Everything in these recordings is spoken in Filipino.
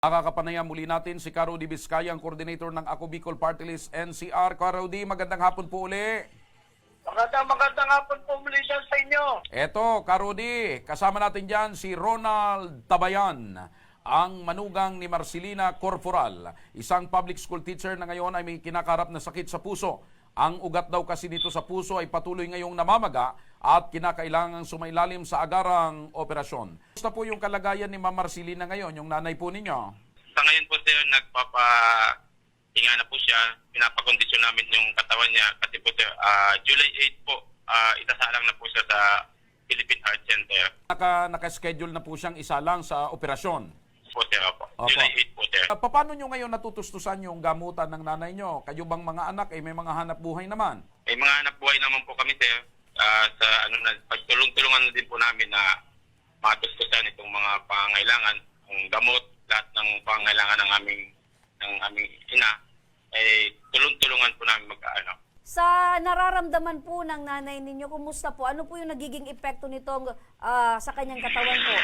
Nakakapanayam muli natin si Caro D. Vizcaya, ang coordinator ng Ako Bicol Party List NCR. Caro D, magandang hapon po uli. Magandang hapon po muli sa inyo. Eto, Caro D, kasama natin dyan si Ronald Tabayan, ang manugang ni Marcelina Corporal, isang public school teacher na ngayon ay may kinakarap na sakit sa puso. Ang ugat daw kasi dito sa puso ay patuloy ngayong namamaga at kinakailangang sumailalim sa agarang operasyon. Gusto po yung kalagayan ni Ma'am Marcelina ngayon, yung nanay po ninyo? Sa ngayon po sir, nagpapahinga na po siya. Pinapakondisyon namin yung katawan niya kasi po sir, July 8 po, itasalang na po siya sa Philippine Heart Center. Naka-schedule na po siyang isalang sa operasyon. Po sir, opo. Opo. July 8 po sir. Paano nyo ngayon natutustusan yung gamutan ng nanay nyo? Kayo bang mga anak ay may mga hanap buhay naman? May mga anak buhay naman po kami sir. Sa pagtulong-tulungan na din po namin na matustusan itong mga pangangailangan, ang gamot, lahat ng pangangailangan ng aming ina, ay tulong-tulungan po namin mag-ano. Sa nararamdaman po ng nanay ninyo, kumusta po? Ano po yung nagiging epekto nitong sa kanyang katawan po?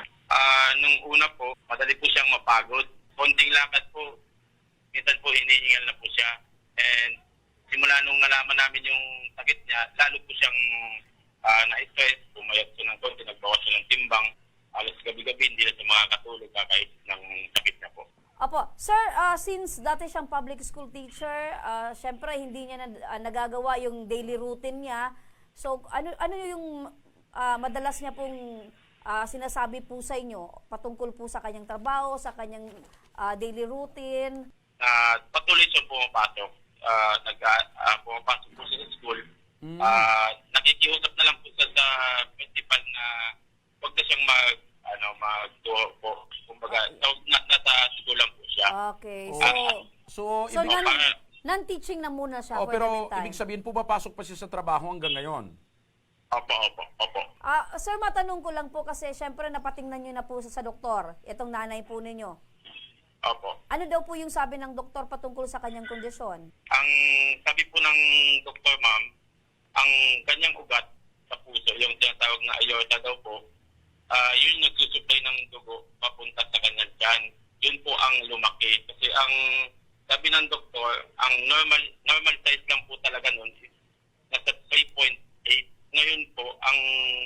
Nung una po, madali po siyang mapagod. Konting lakad po, minsan po hinihingal na po siya. And simula nung nalaman namin yung sakit niya, lalo po siyang na-stress, pumayat siya ng konti, nagbawas siya ng timbang. Alas gabi-gabi, hindi na siya makakatulog kahit ng sakit niya po. Opo. Sir, since dati siyang public school teacher, syempre hindi niya nagagawa yung daily routine niya. So, ano yung madalas niya pong sinasabi po sa inyo patungkol po sa kanyang trabaho, sa kanyang daily routine? Patuloy siya pumapasok. Pumapasok po siya sa school. Nakikiusap na lang po siya sa principal na huwag na siyang mag-tuho po. Kumbaga, nasa school lang po siya. Okay. So Non-teaching na muna siya for the pero meantime. ibig sabihin po pasok pa siya sa trabaho hanggang ngayon? Opo. Sir, matanong ko lang po kasi syempre napatingnan niyo na po sa doktor, itong nanay po ninyo. Opo. Ano daw po yung sabi ng doktor patungkol sa kanyang kondisyon? Ang sabi po ng doktor, ma'am, ang kanyang ugat sa puso, yung tinatawag na aorta daw po, yun nagsusupply ng dugo papunta sa kanyang tiyan. Yun po ang lumaki. Kasi ang sabi ng doktor, ang normal size lang po talaga nun is nasa 3.8. Ngayon po, ang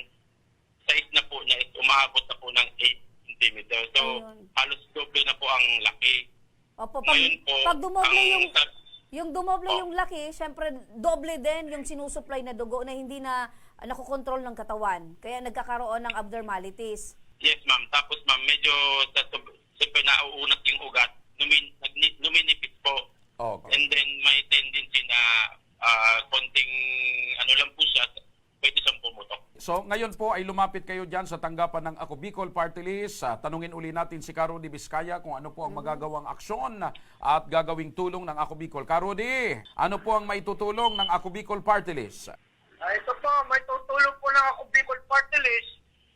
size na po niya is umaabot na po ng 8 cm. So, halos doble na po ang laki. Opo, Ngayon po, pag dumoble yung dumoble Oh. yung laki, syempre doble din yung sinusupply na dugo na hindi na nakokontrol ng katawan. Kaya nagkakaroon ng abnormalities. Yes, ma'am. Tapos, ma'am, medyo siyempre nauunat yung ugat, numinipis po. Okay. And then, may tendency na konting lang po siya, pwede siyang pumutok. So ngayon po ay lumapit kayo dyan sa tanggapan ng Ako Bicol Party List. Tanungin uli natin si Caro D. Vizcaya kung ano po ang magagawang aksyon at gagawing tulong ng Ako Bicol. Caro D, ano po ang maitutulong ng Ako Bicol Party List? Ito po, may tutulong po ng Ako Bicol Party List.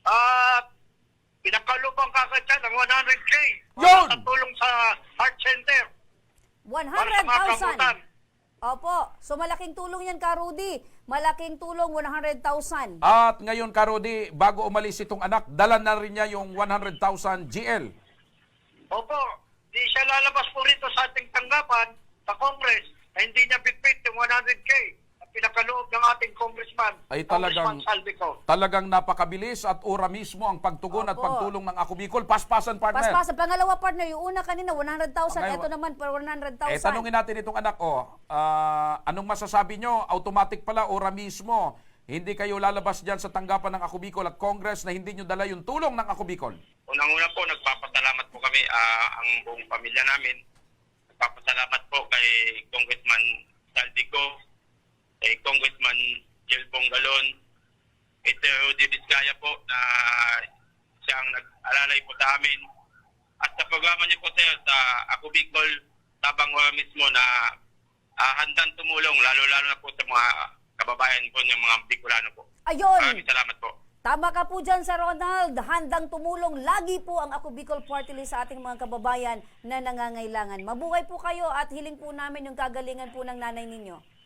Pinakalupang kakatyan ng 100K. Yun! Sa tulong sa Heart Center. Para sa mga kamutan. 100,000. Opo. So malaking tulong yan, Karudi. Malaking tulong, 100,000. At ngayon, Caro D, bago umalis itong anak, dala na rin niya yung 100,000 GL. Opo, di siya lalabas po rito sa ating tanggapan sa Congress na hindi niya bitbit yung 100K na pinakaloob ng ating congressman. Ay Congressman Saldico. talagang napakabilis at ora mismo ang pagtugon at Opo. pagtulong ng Ako Bicol. Paspasan, partner. Paspas, pangalawa partner, yung una kanina, 100,000. Ngayon, Ito naman, per 100,000. Tanungin natin itong anak, anong masasabi nyo? Automatic pala, ora mismo. Hindi kayo lalabas dyan sa tanggapan ng Ako Bicol at Congress na hindi nyo dala yung tulong ng Ako Bicol. Unang-una po, nagpapasalamat po kami, ang buong pamilya namin. Nagpapasalamat po kay Congressman Saldico, kay Congressman Jelbong Galon, kay Sir Rudy Vizcaya po na siyang nag-alalay po sa amin. At sa programa niyo po sir, sa Ako Bicol, tabang mismo na handang tumulong, lalo-lalo na po sa mga kababayan po ng mga Bicolano po. Ayun! Maraming salamat po. Tama ka po dyan, Sir Ronald. Handang tumulong. Lagi po ang Ako Bicol Party List sa ating mga kababayan na nangangailangan. Mabuhay po kayo at hiling po namin yung kagalingan po ng nanay ninyo.